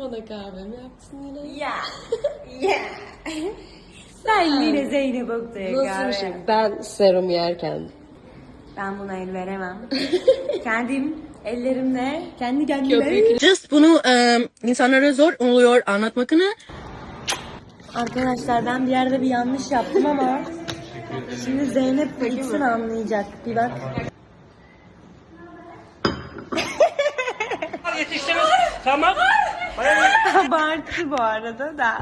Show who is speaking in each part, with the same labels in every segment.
Speaker 1: bana kahvemi yaptın yine.
Speaker 2: Ya. Ya. Ben yine Zeynep Oktay'a
Speaker 1: Nasıl
Speaker 2: kahve.
Speaker 1: bir şey? Ben serum yerken.
Speaker 2: Ben buna el veremem. Kendim ellerimle kendi kendime.
Speaker 1: Köpek.
Speaker 3: Just bunu insanlara zor oluyor anlatmakını.
Speaker 2: Arkadaşlar ben bir yerde bir yanlış yaptım ama şimdi Zeynep gitsin anlayacak. Bir bak.
Speaker 3: Yetiştiniz. Tamam.
Speaker 2: Abartı bu arada da.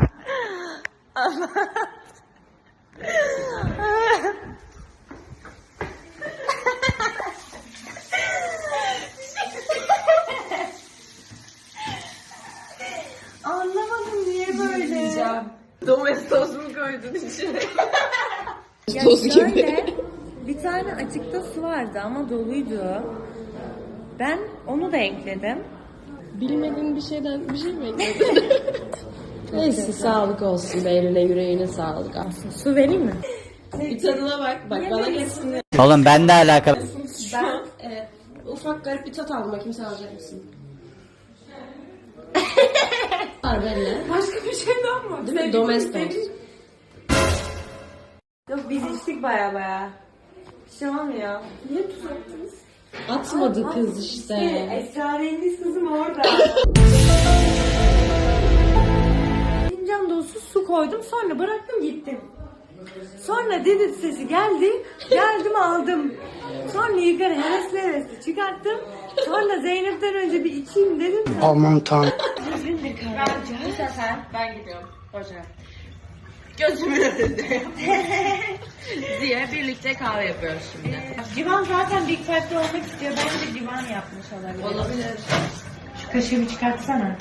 Speaker 2: Anlamadım niye böyle.
Speaker 1: Domestos mu koydun içine?
Speaker 2: Ya
Speaker 1: Toz
Speaker 2: şöyle,
Speaker 1: gibi.
Speaker 2: bir tane açıkta su vardı ama doluydu. Ben onu da ekledim.
Speaker 1: Bilmediğin bir şeyden bir şey mi ekledin? Neyse sağlık olsun. Eline yüreğine sağlık aslında.
Speaker 2: Su vereyim mi?
Speaker 1: Bir tadına bak. Bak bana geçsin.
Speaker 4: Oğlum ben de alakalı.
Speaker 1: Ben ufak garip bir tat aldım. Bakayım sen alacak mısın? Var benimle.
Speaker 2: Başka bir şey daha mı?
Speaker 1: Değil mi? Domestos.
Speaker 2: Yok biz içtik baya. Bir şey olmuyor. Niye tuz attınız?
Speaker 1: Atmadı kız işte.
Speaker 2: Esrarengiz kızım orada. Fincan dolusu su koydum sonra bıraktım gittim. Sonra dedi sesi geldi. Geldim aldım. Sonra yukarı hevesli çıkarttım. Sonra Zeynep'ten önce bir içeyim dedim.
Speaker 4: Aman tanrım.
Speaker 3: Bu sefer ben gidiyorum. Hoca. Gözümün önünde. diye birlikte kahve yapıyoruz şimdi.
Speaker 2: Civan zaten Big Five'de olmak istiyor. Bence Civan yapmış olabilir.
Speaker 1: Olabilir.
Speaker 2: Şu kaşığı bir çıkartsana.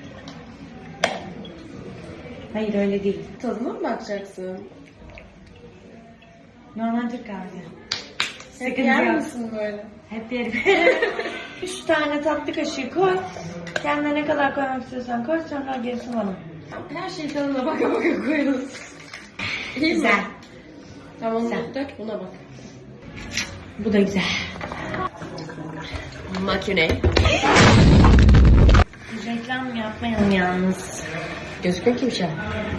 Speaker 2: Hayır öyle değil.
Speaker 1: Tadına mı bakacaksın?
Speaker 2: Normal Türk kahvesi. Sıkıntı
Speaker 1: Yer
Speaker 2: yok.
Speaker 1: misin böyle?
Speaker 2: Hep yerim. 3 tane tatlı kaşığı koy. Kendine ne kadar koymak istiyorsan koy. Sonra gerisi bana.
Speaker 1: Her şeyi tadına baka baka koyuyoruz. İyi mi?
Speaker 2: Güzel.
Speaker 1: Tamam
Speaker 2: Güzel.
Speaker 1: dök buna bak.
Speaker 2: Bu da güzel.
Speaker 1: Makine.
Speaker 2: Reklam yapmayalım yalnız.
Speaker 1: Gözüküyor ki bir şey.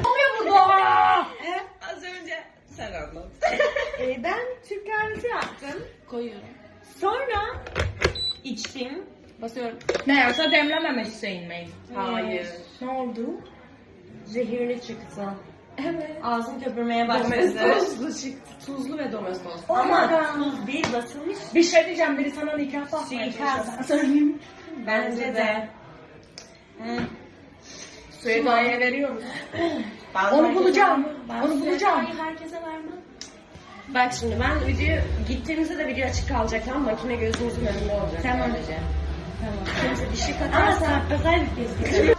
Speaker 3: Az önce sen anlat.
Speaker 2: Ben Türk kahvesi yaptım.
Speaker 1: Koyuyorum.
Speaker 2: Sonra içtim.
Speaker 1: Basıyorum.
Speaker 3: Meğerse demlememişsin mi?
Speaker 1: Hayır.
Speaker 2: Ne oldu?
Speaker 1: Zehirli çıktı.
Speaker 2: Evet. Ağzım köpürmeye başladı.
Speaker 1: Domestoslu çıktı. Tuzlu ve domestos.
Speaker 2: Ama tuz değil basılmış.
Speaker 3: Bir şey diyeceğim, biri sana nikah basmaya çalışıyor.
Speaker 2: Bence de.
Speaker 3: Suyu daire veriyoruz. Onu bulacağım. Onu bulacağım.
Speaker 1: Herkese vermem. Bak şimdi ben video gittiğimizde de video açık kalacak, tamam, makine gözümüzün önünde olacak.
Speaker 2: Tamam.
Speaker 1: Sadece. Tamam. Kimse bir şey
Speaker 2: Ama
Speaker 1: katarsa
Speaker 2: saklasaydık keşke.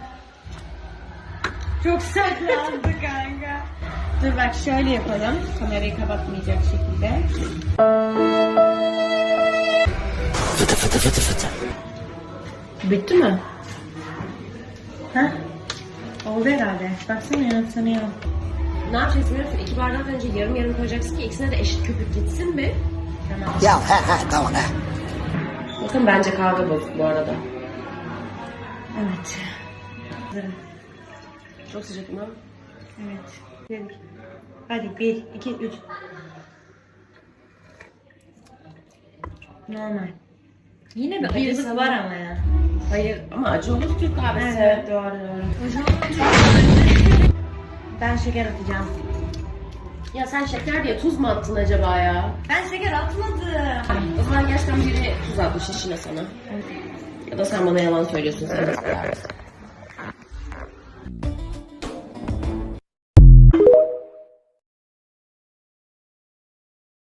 Speaker 2: Çok saklandı kanka. Dur bak şöyle yapalım. Kamerayı kapatmayacak şekilde.
Speaker 1: bitti mi?
Speaker 2: Hah? Oldu herhalde. Baksana yanıtsanıyor.
Speaker 1: Ne yapacaksın biliyor musun? 2 bardak önce yarım yarım koyacaksın ki ikisine de eşit köpük gitsin mi?
Speaker 2: Tamam.
Speaker 4: Ya tamam he.
Speaker 1: Bakın bence kahve bozuk bu arada.
Speaker 2: Evet. Hazırım.
Speaker 1: Çok sıcak mı?
Speaker 2: Evet. Hadi 1, 2, 3. Normal. Yine bir acısı var ama ya.
Speaker 1: Hayır ama acı olur Türk kahvesi.
Speaker 2: Evet doğru. Ben şeker atacağım.
Speaker 1: Ya sen şeker diye tuz mu attın acaba ya?
Speaker 2: Ben şeker atmadım.
Speaker 1: O zaman gerçekten biri tuz atmış işine sana. Ya da sen bana yalan söylüyorsun. Sen de